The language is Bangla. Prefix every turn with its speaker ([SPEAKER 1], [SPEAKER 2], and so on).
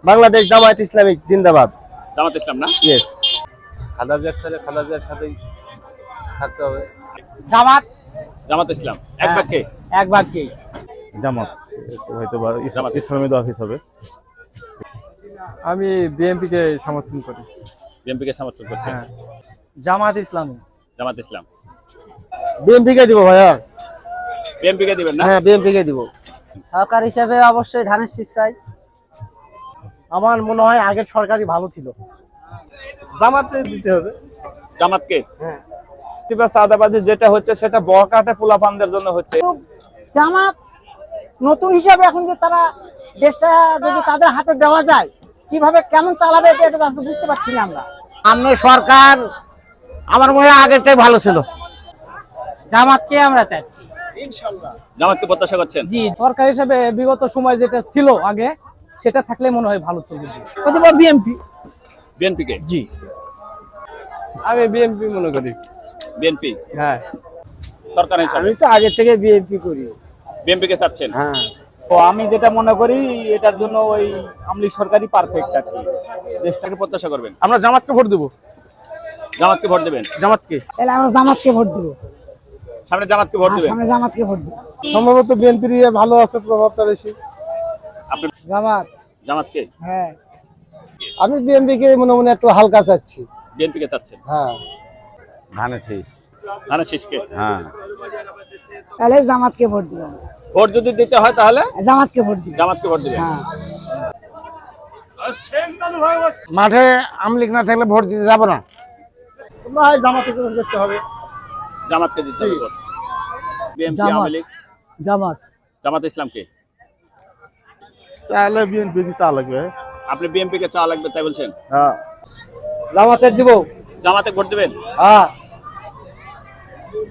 [SPEAKER 1] বাংলাদেশ জামায়াত ইসলামী জিন্দাবাদ।
[SPEAKER 2] জামাত ইসলাম না?
[SPEAKER 1] ইয়েস।
[SPEAKER 3] খালেদা জিয়ার সাথেই থাকতে হবে।
[SPEAKER 4] জামাত।
[SPEAKER 2] জামাত ইসলাম এক বাক্যে?
[SPEAKER 4] এক বাক্যে
[SPEAKER 5] জামাত, হয়তো বা
[SPEAKER 2] জামাত
[SPEAKER 5] ইসলামী অফিস হবে।
[SPEAKER 6] আমি বিএনপি কে সমর্থন করি।
[SPEAKER 2] বিএনপি কে সমর্থন করছেন?
[SPEAKER 4] জামাত ইসলামী।
[SPEAKER 2] জামাত ইসলাম।
[SPEAKER 1] বিএনপি কে দিব ভাইয়া।
[SPEAKER 2] বিএনপি কে দিবেন না?
[SPEAKER 1] হ্যাঁ বিএনপি কে দিব।
[SPEAKER 4] সরকার হিসেবে অবশ্যই ধানের শীষ চাই।
[SPEAKER 1] আমার মনে হয় আগের সরকারই ভালো ছিল। জামাতে দিতে হবে।
[SPEAKER 2] জামাতকে?
[SPEAKER 3] চাঁদাবাজি যেটা হচ্ছে সেটা বকাটে পোলাপানদের জন্য হচ্ছে।
[SPEAKER 4] জামাত নতুন হিসাবে এখন যে তারা দেশটা যদি তাদের হাতে দেওয়া যায় কিভাবে কেমন চালাবে এটা তো বুঝতে পারছি না আমরা।
[SPEAKER 1] সামনে সরকার আমার মনে হয় আগেরটাই ভালো ছিল।
[SPEAKER 4] জামাতকে আমরা চাচ্ছি।
[SPEAKER 2] জামাতকে প্রত্যাশা করছেন?
[SPEAKER 4] জি, সরকার হিসেবে বিগত সময় যেটা ছিল আগে সেটা থাকলে মনে হয় ভালো চলবে। বিএনপি।
[SPEAKER 2] বিএনপি কে?
[SPEAKER 1] জি।
[SPEAKER 6] আমি বিএনপি মনে করি।
[SPEAKER 2] বিএনপি?
[SPEAKER 6] হ্যাঁ।
[SPEAKER 2] সরকার হিসাবে
[SPEAKER 1] আমি তো আগে থেকে বিএনপি করি।
[SPEAKER 2] বিএনপি কে চাচ্ছেন?
[SPEAKER 1] হ্যাঁ।
[SPEAKER 4] তো আমি যেটা মনে করি এটার জন্য ওই আমলি সরকারই পারফেক্ট আর কি।
[SPEAKER 2] দেশটাকে প্রত্যাশা করবেন?
[SPEAKER 1] আমরা জামাতকে ভোট দেব।
[SPEAKER 2] জামাতকে ভোট দেবেন?
[SPEAKER 1] জামাতকে।
[SPEAKER 4] তাহলে আমরা জামাতকে ভোট দেব।
[SPEAKER 2] সামনে জামাতকে ভোট দেবেন?
[SPEAKER 4] আমরা জামাতকে ভোট দেব।
[SPEAKER 1] সম্ভবত বিএনপির ভালো আছে, প্রভাবটা বেশি।
[SPEAKER 2] আপনি
[SPEAKER 4] জামাত।
[SPEAKER 2] জামাতকে?
[SPEAKER 4] হ্যাঁ।
[SPEAKER 1] আমি বিএনপি কে মনে মনে একটু হালকা চাচ্ছি।
[SPEAKER 2] বিএনপি কে চাচ্ছেন?
[SPEAKER 1] হ্যাঁ।
[SPEAKER 3] ধানের শীষ।
[SPEAKER 2] ধানের শীষকে?
[SPEAKER 3] হ্যাঁ।
[SPEAKER 4] তাহলে জামাতকে ভোট দিব।
[SPEAKER 2] ভোট যদি দিতে হয় তাহলে
[SPEAKER 4] জামাতকে ভোট দিব।
[SPEAKER 2] জামাতকে ভোট দিবেন?
[SPEAKER 4] হ্যাঁ।
[SPEAKER 1] মাঠে আমলিক না থাকলে ভোট দিতে যাব না। ভাই জামাতে ভোট করতে হবে।
[SPEAKER 2] জামাতকে দিতে হবে ভোট। বিএনপি,
[SPEAKER 4] জামাত।
[SPEAKER 2] আওয়ামী লীগ?
[SPEAKER 4] জামাত।
[SPEAKER 2] জামাত ইসলামকে?
[SPEAKER 5] চাইলে বিএনপি কি চা লাগবে?
[SPEAKER 2] আপনি বিএনপি কে চাওয়া লাগবে তাই বলছেন?
[SPEAKER 1] হ্যাঁ। জামাতে দিব।
[SPEAKER 2] জামাতে ভোট দিবেন?
[SPEAKER 1] হ্যাঁ।